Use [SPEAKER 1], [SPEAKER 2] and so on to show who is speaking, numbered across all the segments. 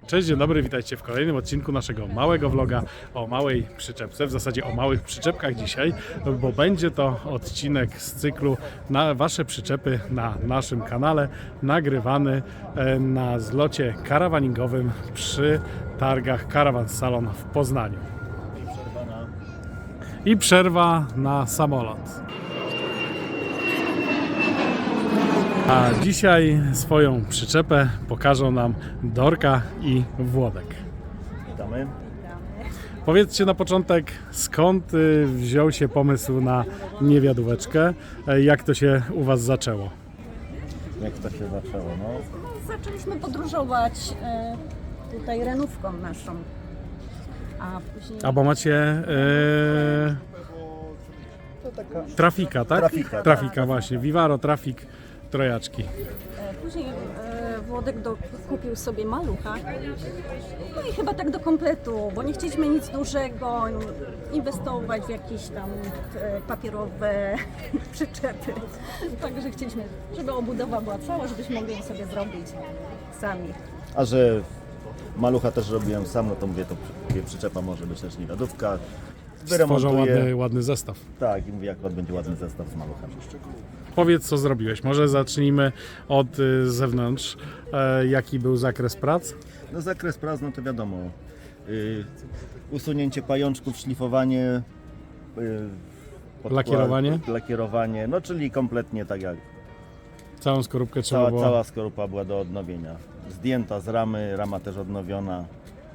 [SPEAKER 1] Cześć, dzień dobry, witajcie w kolejnym odcinku naszego małego vloga o małej przyczepce, w zasadzie o małych przyczepkach dzisiaj, bo będzie to odcinek z cyklu na wasze przyczepy na naszym kanale, nagrywany na zlocie karawaningowym przy targach Caravan Salon w Poznaniu. I przerwa na samolot. A dzisiaj swoją przyczepę pokażą nam Dorka i Włodek.
[SPEAKER 2] Witamy.
[SPEAKER 1] Powiedzcie na początek, skąd wziął się pomysł na niewiadóweczkę? Jak to się u was zaczęło?
[SPEAKER 2] Jak to się zaczęło? No,
[SPEAKER 3] Zaczęliśmy podróżować tutaj renówką naszą, a później...
[SPEAKER 1] A bo macie
[SPEAKER 2] to taka...
[SPEAKER 1] Trafika, tak? Trafika właśnie, Vivaro, Trafik, trojaczki.
[SPEAKER 3] Później Włodek kupił sobie malucha, no i chyba tak do kompletu, bo nie chcieliśmy nic dużego, inwestować w jakieś tam papierowe przyczepy. Także chcieliśmy, żeby obudowa była cała, żebyśmy mogli ją sobie zrobić sami.
[SPEAKER 2] A że malucha też robiłem sam, no to mówię, to przyczepa może być też niewiadówka.
[SPEAKER 1] Stworzą ładny zestaw.
[SPEAKER 2] Tak, i mówię, jak będzie ładny zestaw z maluchem.
[SPEAKER 1] Powiedz, co zrobiłeś. Może zacznijmy od zewnątrz. Jaki był zakres prac?
[SPEAKER 2] No zakres prac, no to wiadomo. Usunięcie pajączków, szlifowanie,
[SPEAKER 1] Lakierowanie?
[SPEAKER 2] Lakierowanie, no czyli kompletnie tak jak
[SPEAKER 1] Całą skorupkę trzeba było...
[SPEAKER 2] cała skorupa była do odnowienia. Zdjęta z ramy, rama też odnowiona.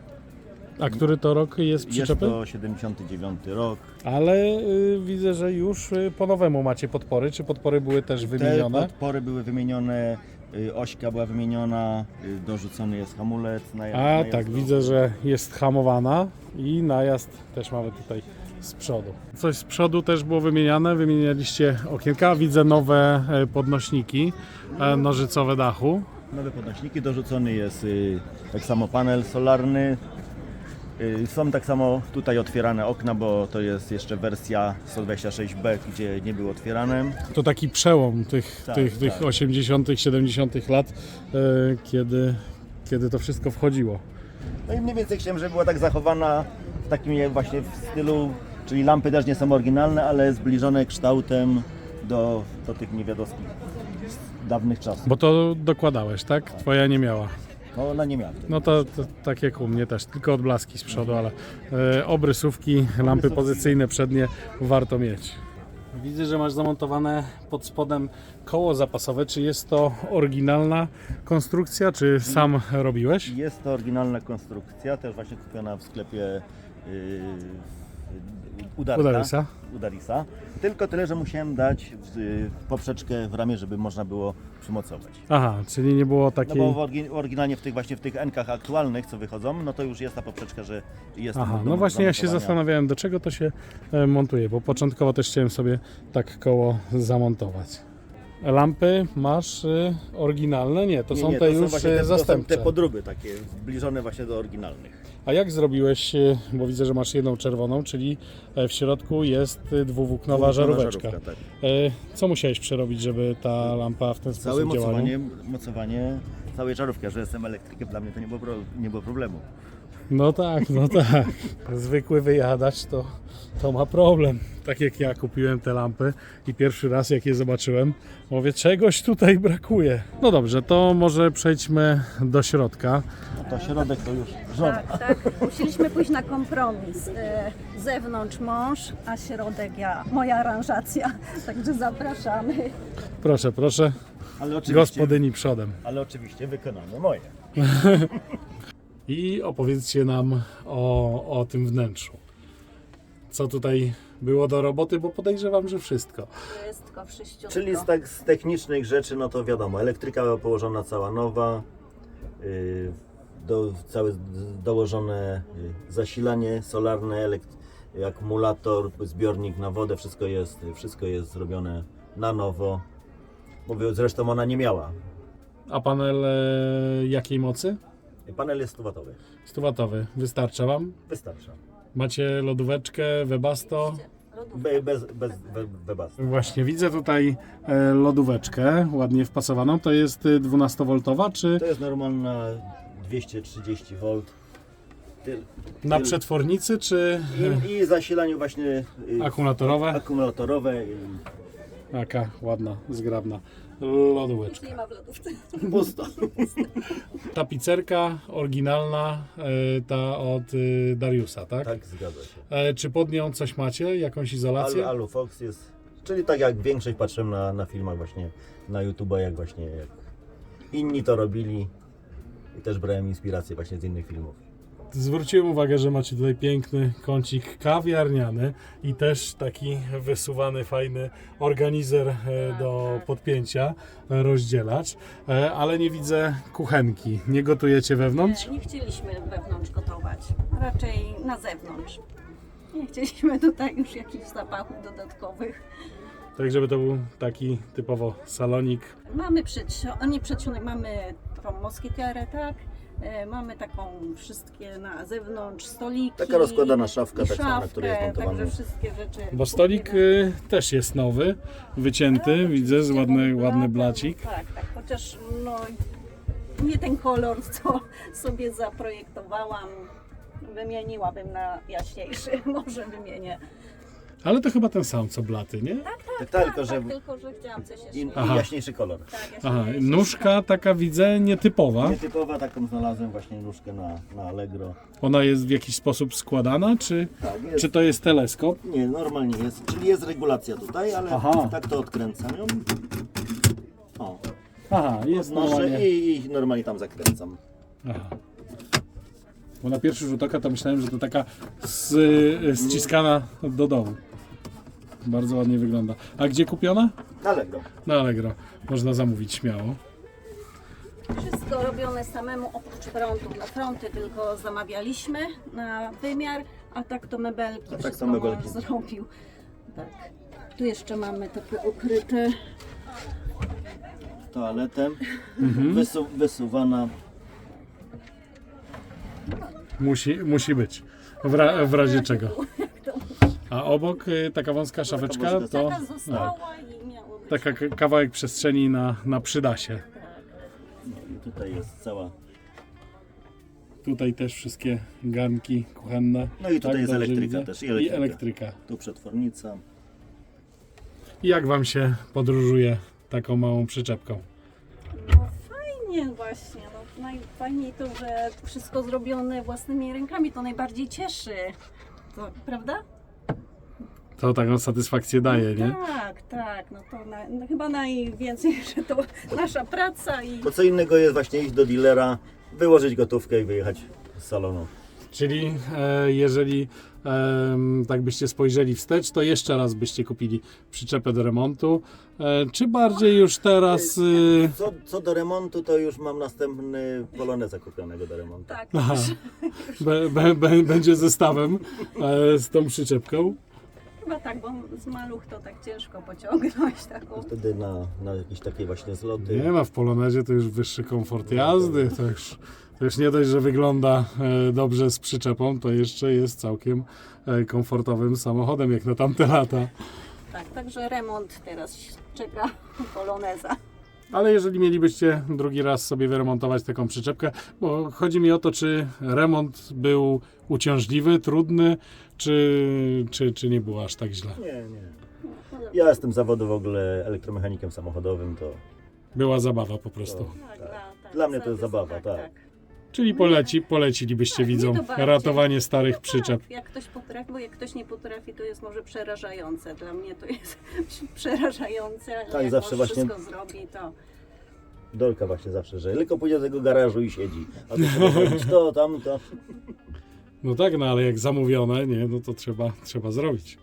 [SPEAKER 1] A który to rok jest
[SPEAKER 2] Jest
[SPEAKER 1] przyczepy?
[SPEAKER 2] to 79 rok.
[SPEAKER 1] Ale widzę, że już po nowemu macie podpory. Czy podpory były też wymienione?
[SPEAKER 2] Te podpory były wymienione, ośka była wymieniona, dorzucony jest hamulec.
[SPEAKER 1] A tak, widzę, że jest hamowana i najazd też mamy tutaj z przodu. Coś z przodu też było wymieniane, wymienialiście okienka, widzę nowe podnośniki nożycowe dachu.
[SPEAKER 2] Nowe podnośniki, dorzucony jest tak samo panel solarny. Są tak samo tutaj otwierane okna, bo to jest jeszcze wersja 126B, gdzie nie były otwierane.
[SPEAKER 1] To taki przełom tych
[SPEAKER 2] Tak.
[SPEAKER 1] 80., 70. lat, kiedy to wszystko wchodziło.
[SPEAKER 2] No i mniej więcej chciałem, żeby była tak zachowana w takim właśnie w stylu, czyli lampy też nie są oryginalne, ale zbliżone kształtem do tych niewiadowskich z dawnych czasów.
[SPEAKER 1] Bo to dokładałeś, tak? Twoja nie miała.
[SPEAKER 2] No ona nie miała wtedy.
[SPEAKER 1] No to tak jak u mnie też, tylko odblaski z przodu, ale obrysówki, lampy pozycyjne przednie warto mieć. Widzę, że masz zamontowane pod spodem koło zapasowe. Czy jest to oryginalna konstrukcja, czy sam robiłeś?
[SPEAKER 2] Jest to oryginalna konstrukcja, też właśnie kupiona w sklepie Udarisa. Tylko tyle, że musiałem dać poprzeczkę w ramię, żeby można było przymocować.
[SPEAKER 1] Aha, czyli nie było
[SPEAKER 2] No
[SPEAKER 1] takiej...
[SPEAKER 2] bo oryginalnie w tych N-kach aktualnych, co wychodzą, no to już jest ta poprzeczka, że jest...
[SPEAKER 1] Aha,
[SPEAKER 2] do
[SPEAKER 1] no właśnie ja się
[SPEAKER 2] zamontowania.
[SPEAKER 1] zastanawiałem, do czego to się montuje, bo początkowo też chciałem sobie tak koło zamontować. Lampy masz oryginalne? Nie, to są te już zastępcze.
[SPEAKER 2] To są te podróby takie, zbliżone właśnie do oryginalnych.
[SPEAKER 1] A jak zrobiłeś, bo widzę, że masz jedną czerwoną, czyli w środku jest dwuwłóknowa żaróweczka.
[SPEAKER 2] Tak.
[SPEAKER 1] Co musiałeś przerobić, żeby ta lampa w ten
[SPEAKER 2] Całe
[SPEAKER 1] sposób działała?
[SPEAKER 2] mocowanie całej żarówki, a że jestem elektrykiem, dla mnie to nie było problemu.
[SPEAKER 1] No tak. Zwykły wyjadacz to ma problem. Tak jak ja kupiłem te lampy i pierwszy raz jak je zobaczyłem, mówię, czegoś tutaj brakuje. No dobrze, to może przejdźmy do środka.
[SPEAKER 2] No to środek to już żona.
[SPEAKER 3] Tak. Musieliśmy pójść na kompromis. Zewnątrz mąż, a środek moja aranżacja. Także zapraszamy.
[SPEAKER 1] Proszę.
[SPEAKER 2] Ale oczywiście,
[SPEAKER 1] Gospodyni przodem.
[SPEAKER 2] ale oczywiście wykonanie moje.
[SPEAKER 1] I opowiedzcie nam o tym wnętrzu. Co tutaj było do roboty, bo podejrzewam, że wszystko.
[SPEAKER 3] Wszystko wszyściutko.
[SPEAKER 2] Czyli z technicznych rzeczy, no to wiadomo, elektryka była położona cała nowa, całe dołożone zasilanie solarne, akumulator, zbiornik na wodę, wszystko jest zrobione na nowo. Mówię, zresztą ona nie miała.
[SPEAKER 1] A panel jakiej mocy?
[SPEAKER 2] Panel jest 100-watowy.
[SPEAKER 1] 100-watowy. Wystarcza Wam?
[SPEAKER 2] Wystarcza.
[SPEAKER 1] Macie lodóweczkę, Webasto?
[SPEAKER 2] Bez webastu.
[SPEAKER 1] Właśnie, widzę tutaj lodóweczkę ładnie wpasowaną. To jest 12V, czy...
[SPEAKER 2] To jest normalna 230 V.
[SPEAKER 1] Na przetwornicy czy
[SPEAKER 2] I zasilaniu właśnie
[SPEAKER 1] akumulatorowe?
[SPEAKER 2] akumulatorowe.
[SPEAKER 1] Taka ładna, zgrabna lodóweczka.
[SPEAKER 3] Nie ma w lodówce.
[SPEAKER 2] Pusto.
[SPEAKER 1] Tapicerka oryginalna, ta od Dariusa, tak?
[SPEAKER 2] Tak, zgadza się.
[SPEAKER 1] Czy pod nią coś macie? Jakąś izolację?
[SPEAKER 2] Alufox jest, czyli tak jak większość patrzyłem na filmach właśnie na YouTube'a, jak właśnie jak inni to robili i też brałem inspirację właśnie z innych filmów.
[SPEAKER 1] Zwróciłem uwagę, że macie tutaj piękny kącik kawiarniany i też taki wysuwany, fajny organizer do podpięcia, rozdzielacz, ale nie widzę kuchenki. Nie gotujecie wewnątrz?
[SPEAKER 3] Nie chcieliśmy wewnątrz gotować, raczej na zewnątrz. Nie chcieliśmy tutaj już jakichś zapachów dodatkowych.
[SPEAKER 1] Tak, żeby to był taki typowo salonik.
[SPEAKER 3] Mamy przedsionek, mamy taką moskitierę, tak? Mamy taką wszystkie na zewnątrz, stoliki.
[SPEAKER 2] Taka rozkładana szafka,
[SPEAKER 3] i
[SPEAKER 2] tak samo, na której jest
[SPEAKER 3] szafkę,
[SPEAKER 2] montowany.
[SPEAKER 3] Także wszystkie rzeczy.
[SPEAKER 1] Bo stolik też jest nowy, wycięty, widzę, z ładny blacik.
[SPEAKER 3] Tak, chociaż no, nie ten kolor, co sobie zaprojektowałam. Wymieniłabym na jaśniejszy, może wymienię.
[SPEAKER 1] Ale to chyba ten sam co blaty, nie?
[SPEAKER 2] Tak, tylko że
[SPEAKER 3] Tylko, że chciałam coś jeszcze.
[SPEAKER 2] i
[SPEAKER 1] Aha.
[SPEAKER 2] jaśniejszy kolor.
[SPEAKER 3] Tak,
[SPEAKER 1] Aha,
[SPEAKER 3] jaśniejszy.
[SPEAKER 1] nóżka taka widzę nietypowa.
[SPEAKER 2] Nietypowa, taką znalazłem właśnie nóżkę na Allegro.
[SPEAKER 1] Ona jest w jakiś sposób składana, czy
[SPEAKER 2] Tak, jest.
[SPEAKER 1] to jest teleskop?
[SPEAKER 2] Nie, normalnie jest, czyli jest regulacja tutaj, ale
[SPEAKER 1] Aha.
[SPEAKER 2] tak to odkręcam ją. O,
[SPEAKER 1] Aha, jest
[SPEAKER 2] noszę
[SPEAKER 1] normalnie.
[SPEAKER 2] i normalnie tam zakręcam.
[SPEAKER 1] Aha. Bo na pierwszy rzut oka to myślałem, że to taka ściskana do dołu. Bardzo ładnie wygląda. A gdzie kupiona?
[SPEAKER 2] Allegro.
[SPEAKER 1] Na Allegro. Można zamówić śmiało.
[SPEAKER 3] Wszystko robione samemu oprócz frontów. Na fronty tylko zamawialiśmy na wymiar, a tak to mebelki,
[SPEAKER 2] tak
[SPEAKER 3] wszystko
[SPEAKER 2] to mebelki.
[SPEAKER 3] mąż zrobił. Tak. Tu jeszcze mamy takie ukryte.
[SPEAKER 2] Toaletę. Wysuwana.
[SPEAKER 1] Musi być. W razie czego. A obok taka wąska szafeczka to
[SPEAKER 3] Taka została i miało być.
[SPEAKER 1] taka kawałek przestrzeni na przydasie.
[SPEAKER 2] No i tutaj jest cała.
[SPEAKER 1] Tutaj też wszystkie garnki kuchenne.
[SPEAKER 2] No i tutaj jest
[SPEAKER 1] dobrze
[SPEAKER 2] elektryka
[SPEAKER 1] widzę?
[SPEAKER 2] też,
[SPEAKER 1] I elektryka.
[SPEAKER 2] Tu przetwornica.
[SPEAKER 1] I jak wam się podróżuje taką małą przyczepką?
[SPEAKER 3] No fajnie właśnie. No, najfajniej to, że wszystko zrobione własnymi rękami, to najbardziej cieszy. To, prawda?
[SPEAKER 1] To taką satysfakcję daje, nie?
[SPEAKER 3] Tak. No to no chyba najwięcej, że to nasza praca i
[SPEAKER 2] To co innego jest właśnie iść do dealera, wyłożyć gotówkę i wyjechać z salonu.
[SPEAKER 1] Czyli jeżeli tak byście spojrzeli wstecz, to jeszcze raz byście kupili przyczepę do remontu, czy bardziej już teraz...
[SPEAKER 2] Co do remontu, to już mam następny Poloneza kupionego do remontu.
[SPEAKER 3] tak.
[SPEAKER 1] Aha, będzie zestawem z tą przyczepką.
[SPEAKER 3] Chyba tak, bo z maluch to tak ciężko pociągnąć taką.
[SPEAKER 2] Wtedy na jakieś takie właśnie zloty.
[SPEAKER 1] Nie ma, w Polonezie to już wyższy komfort jazdy, to już nie dość, że wygląda dobrze z przyczepą, to jeszcze jest całkiem komfortowym samochodem jak na tamte lata.
[SPEAKER 3] Tak, także remont teraz czeka Poloneza.
[SPEAKER 1] Ale jeżeli mielibyście drugi raz sobie wyremontować taką przyczepkę, bo chodzi mi o to, czy remont był uciążliwy, trudny, czy nie było aż tak źle.
[SPEAKER 2] Nie. Ja jestem z zawodu w ogóle elektromechanikiem samochodowym, to
[SPEAKER 1] Była zabawa po prostu.
[SPEAKER 3] Tak,
[SPEAKER 2] Dla mnie to jest zabawa, tak.
[SPEAKER 1] Czyli polecilibyście
[SPEAKER 3] Tak,
[SPEAKER 1] widzom
[SPEAKER 3] mnie to bardziej.
[SPEAKER 1] ratowanie starych przyczep.
[SPEAKER 3] Tak, jak ktoś potrafi, bo jak ktoś nie potrafi, to jest może przerażające. Dla mnie to jest przerażające, ale
[SPEAKER 2] Tak,
[SPEAKER 3] jak
[SPEAKER 2] zawsze
[SPEAKER 3] on
[SPEAKER 2] właśnie-
[SPEAKER 3] wszystko zrobi, to
[SPEAKER 2] Dolka właśnie zawsze, że tylko pójdzie do tego garażu i siedzi. A to trzeba zrobić to, tamto.
[SPEAKER 1] No tak, no ale jak zamówione, nie, no to trzeba zrobić.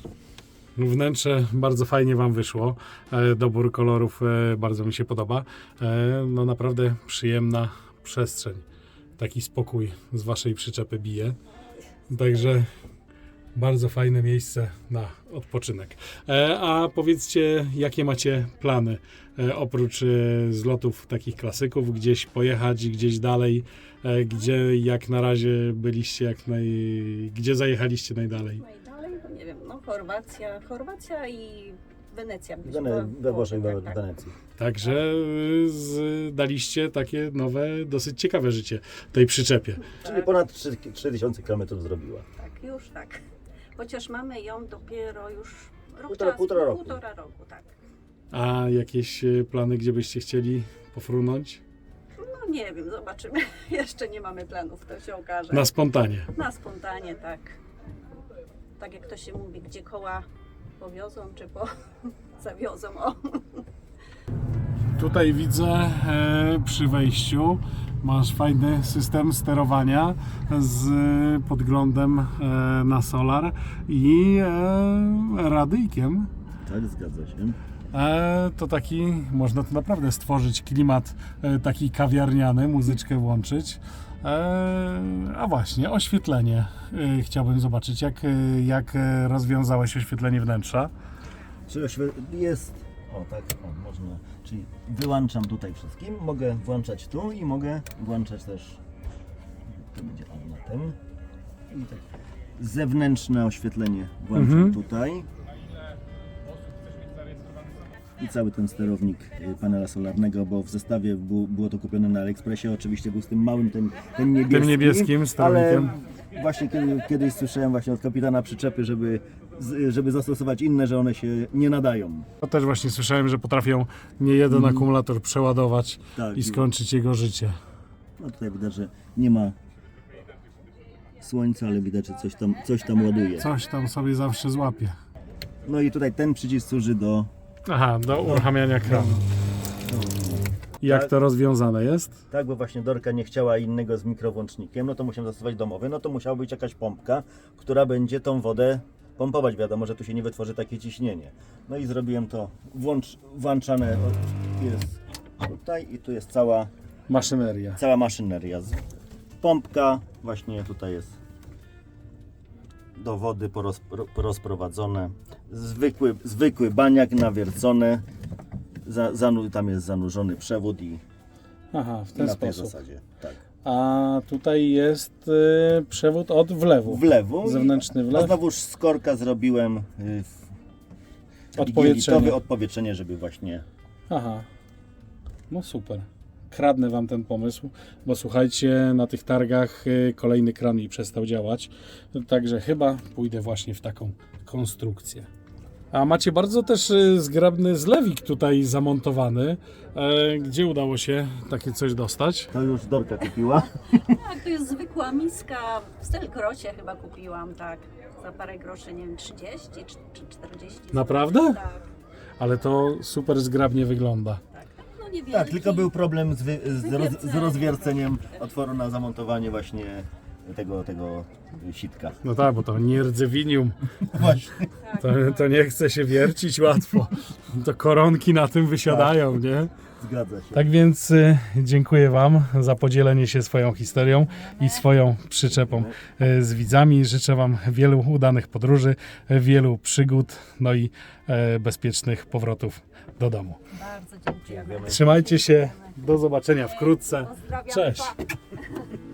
[SPEAKER 1] Wnętrze bardzo fajnie wam wyszło. Dobór kolorów bardzo mi się podoba. No naprawdę przyjemna przestrzeń. Taki spokój z waszej przyczepy bije. Także bardzo fajne miejsce na odpoczynek. A powiedzcie, jakie macie plany? Oprócz zlotów takich klasyków, gdzieś pojechać, gdzieś dalej, gdzie jak na razie byliście, gdzie zajechaliście najdalej?
[SPEAKER 3] najdalej, to nie wiem, no Chorwacja i Wenecja.
[SPEAKER 2] We Włoszech, we
[SPEAKER 3] tak.
[SPEAKER 2] Wenecji.
[SPEAKER 1] Także daliście takie nowe, dosyć ciekawe życie tej przyczepie.
[SPEAKER 2] Czyli ponad 3000 km zrobiła.
[SPEAKER 3] Tak, już tak. Chociaż mamy ją dopiero już rok
[SPEAKER 2] Półtora roku.
[SPEAKER 3] Półtora roku, tak.
[SPEAKER 1] A jakieś plany, gdzie byście chcieli pofrunąć?
[SPEAKER 3] No nie wiem, zobaczymy. Jeszcze nie mamy planów, to się okaże.
[SPEAKER 1] Na spontanie.
[SPEAKER 3] Na spontanie, tak. Tak jak to się mówi, gdzie koła powiozą, czy zawiozą. O.
[SPEAKER 1] Tutaj widzę przy wejściu masz fajny system sterowania z podglądem na solar i radyjkiem.
[SPEAKER 2] Tak, zgadza się.
[SPEAKER 1] To taki, można tu naprawdę stworzyć klimat taki kawiarniany, muzyczkę włączyć. A właśnie, oświetlenie. Chciałbym zobaczyć, jak rozwiązałeś oświetlenie wnętrza.
[SPEAKER 2] Czyli jest, o tak, o, można, czyli wyłączam tutaj wszystkim, mogę włączać tu i mogę włączać też, to będzie on na tym. I tak zewnętrzne oświetlenie włączam tutaj. I cały ten sterownik panela solarnego, bo w zestawie było to kupione na AliExpressie, oczywiście był z tym małym, tym niebieskim.
[SPEAKER 1] Tym niebieskim sterownikiem.
[SPEAKER 2] Ale właśnie kiedyś słyszałem właśnie od kapitana przyczepy, żeby zastosować inne, że one się nie nadają.
[SPEAKER 1] To też właśnie słyszałem, że potrafią nie jeden akumulator przeładować
[SPEAKER 2] Tak.
[SPEAKER 1] i skończyć jego życie.
[SPEAKER 2] No tutaj widać, że nie ma słońca, ale widać, że coś tam ładuje.
[SPEAKER 1] Coś tam sobie zawsze złapie.
[SPEAKER 2] No i tutaj ten przycisk służy do...
[SPEAKER 1] Aha, do uruchamiania kranu. Jak
[SPEAKER 2] Tak.
[SPEAKER 1] to rozwiązane jest?
[SPEAKER 2] Tak, bo właśnie Dorka nie chciała innego z mikrowłącznikiem, no to musiałem zastosować domowy, no to musiała być jakaś pompka, która będzie tą wodę pompować. Wiadomo, że tu się nie wytworzy takie ciśnienie. No i zrobiłem to, włączane jest tutaj i tu jest cała maszyneria. Pompka właśnie tutaj jest do wody porozprowadzone. Zwykły baniak nawiercony. Tam jest zanurzony przewód i
[SPEAKER 1] Aha, w
[SPEAKER 2] i
[SPEAKER 1] ten
[SPEAKER 2] na tej
[SPEAKER 1] sposób.
[SPEAKER 2] zasadzie. Tak.
[SPEAKER 1] A tutaj jest przewód od wlewu.
[SPEAKER 2] Wlewu.
[SPEAKER 1] Zewnętrzny
[SPEAKER 2] A
[SPEAKER 1] wlew.
[SPEAKER 2] znowuż z korka zrobiłem
[SPEAKER 1] Odpowietrzenie.
[SPEAKER 2] odpowietrzenie, żeby właśnie...
[SPEAKER 1] Aha, no super. Kradnę wam ten pomysł, bo słuchajcie, na tych targach kolejny kran mi przestał działać, także chyba pójdę właśnie w taką konstrukcję. A macie bardzo też zgrabny zlewik tutaj zamontowany. Gdzie udało się takie coś dostać?
[SPEAKER 2] To już Dorka kupiła.
[SPEAKER 3] Tak, to jest zwykła miska. W Stelgrosie chyba kupiłam, tak. Za parę groszy, nie wiem, 30 czy 40.
[SPEAKER 1] Naprawdę?
[SPEAKER 3] Tak.
[SPEAKER 1] Ale to super zgrabnie wygląda.
[SPEAKER 3] Tak, no niewielki.
[SPEAKER 2] Tak, tylko był problem z
[SPEAKER 3] Wywierceniem.
[SPEAKER 2] rozwierceniem otworu na zamontowanie właśnie tego sitka.
[SPEAKER 1] No tak, bo to nierdzewinium,
[SPEAKER 2] Właśnie.
[SPEAKER 1] to nie chce się wiercić łatwo. To koronki na tym wysiadają, nie?
[SPEAKER 2] Zgadza się.
[SPEAKER 1] Tak więc dziękuję wam za podzielenie się swoją historią i swoją przyczepą z widzami. Życzę wam wielu udanych podróży, wielu przygód, no i bezpiecznych powrotów do domu.
[SPEAKER 3] Bardzo dziękujemy.
[SPEAKER 1] Trzymajcie się, do zobaczenia wkrótce.
[SPEAKER 3] Pozdrawiam.
[SPEAKER 1] Cześć!
[SPEAKER 3] Pa.